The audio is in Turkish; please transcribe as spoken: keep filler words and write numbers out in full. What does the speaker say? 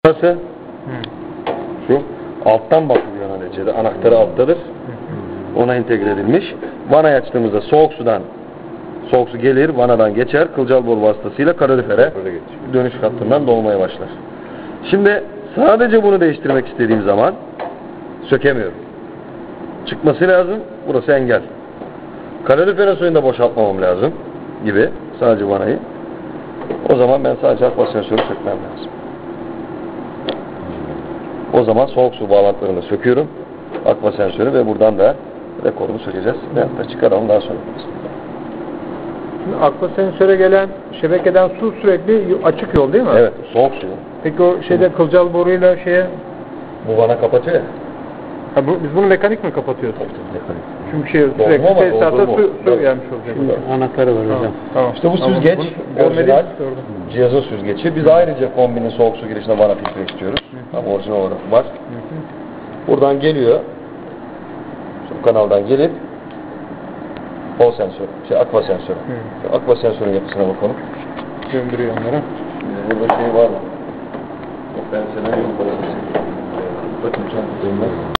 Nasıl? Şu alttan bakılıyor neticede. Anahtarı alttadır. Ona entegre edilmiş. Vanayı açtığımızda soğuk sudan soğuk su gelir, vanadan geçer, kılcal boru vasıtasıyla kalorifere dönüş hattından dolmaya başlar. Şimdi sadece bunu değiştirmek istediğim zaman sökemiyorum. Çıkması lazım. Burası engel. Kalorifere suyunu da boşaltmamam lazım gibi. Sadece vanayı. O zaman ben sadece akva sensörü sökmem lazım. O zaman soğuk su bağlantılarını söküyorum. Akva sensörü ve buradan da rekorunu sökeceğiz. Veyahut da çıkaralım daha sonra. Şimdi akva sensöre gelen şebekeden su sürekli açık yol değil mi? Evet, soğuk su. Peki o şeyde kılcal boruyla şeye... Bu vana kapatıyor ya. Ha, bu, biz bunu mekanik mi kapatıyoruz? Mekanik. Çünkü şey sürekli ama tesisata doldurma. su, su Evet. gelmiş olacak. Şimdi anahtarı var hocam. Tamam. İşte bu Tamam. süzgeç, Bunu orijinal görmediğimiz orada. cihazın süzgeci. Biz ayrıca kombinin soğuk su girişine vana filtre istiyoruz. Ama orijinal olarak var. Buradan geliyor. Şu kanaldan gelip Hol sensörü, şey akva sensörü. Şu akva sensörün yapısına bakalım. Döndürüyor onları. Şimdi burada şey var mı? Ben sana yok. Bakın çok